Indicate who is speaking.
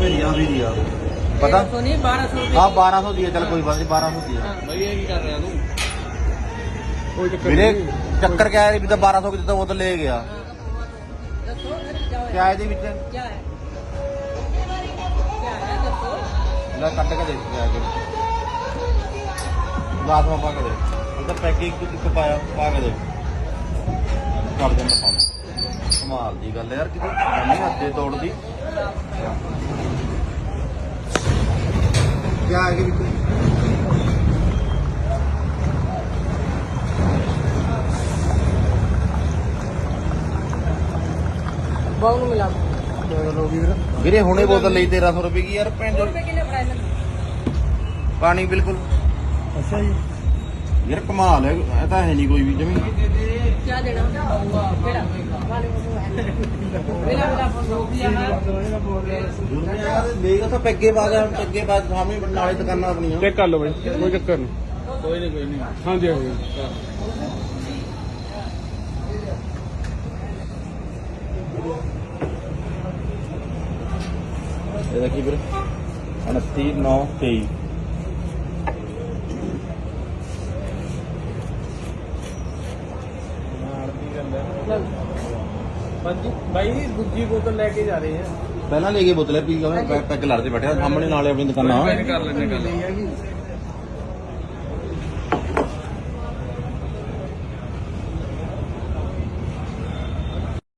Speaker 1: में दिया अभी दिया पता
Speaker 2: नहीं 1200
Speaker 1: हाँ 1200 दिया चल कोई बात नहीं 1200 दिया
Speaker 3: भाई ये की कर रहा तू कोई चक्कर
Speaker 1: मेरे
Speaker 3: नहीं।
Speaker 1: चक्कर क्या है अभी तो 1200 की देता वो तो ले गया क्या है जी बीच
Speaker 2: क्या है क्या है दसो
Speaker 1: ला कट के दे क्या है लास्ट में पा के दे इधर पैकिंग कितने पाया पा के दे कर देना काम कमाल दी गल यार कितनी नहीं हੱਥੇ ਤੋੜਦੀ क्या है कि
Speaker 2: ਬਾਉ ਨੂੰ ਮਿਲਾ
Speaker 1: ਵੀਰੇ ਹੁਣੇ ਬੋਤਲ ਲਈ 1300 ਰੁਪਏ ਦੀ ਯਾਰ ਪਿੰਡ
Speaker 2: ਰੁਪਏ ਕਿੰਨੇ ਫੜਾਏ ਨੇ
Speaker 1: ਪਾਣੀ ਬਿਲਕੁਲ
Speaker 3: ਅੱਛਾ ਜੀ
Speaker 1: ਯਾਰ ਕਮਾਲ ਹੈ ਇਹ ਤਾਂ ਹੈ ਨਹੀਂ ਕੋਈ ਵੀ ਜਮੀ
Speaker 2: क्या देना केड़ा वाले को मेरा मेरा फोन रोक दिया है
Speaker 1: ਦੇਗਾ ਤਾਂ ਪੈਗੇ ਬਾਗ ਪੈਗੇ ਬਾਗ ਸਾਹਮਣੇ ਨਾਲੇ ਦੁਕਾਨਾਂ ਆਪਣੀਆਂ
Speaker 3: ਚੈੱਕ ਕਰ ਲਓ ਬਾਈ ਕੋਈ ਚੱਕਰ ਨਹੀਂ ਕੋਈ ਨਹੀਂ ਹਾਂਜੀ ਹਾਂਜੀ
Speaker 1: ਇਹ ਦੇਖੀ ਵੀਰੇ 29 9 23
Speaker 3: भाई दूजी बोतल लेके जा रहे हैं
Speaker 1: ਪਹਿਲਾਂ ਲੈ ਕੇ ਬੋਤਲੇ ਪੀ ਕੇ ਪੈਗ ਲੜਦੇ ਬੈਠੇ ਸਾਹਮਣੇ ਨਾਲੇ ਆਪਣੀ ਦੁਕਾਨਾਂ
Speaker 3: कर लेने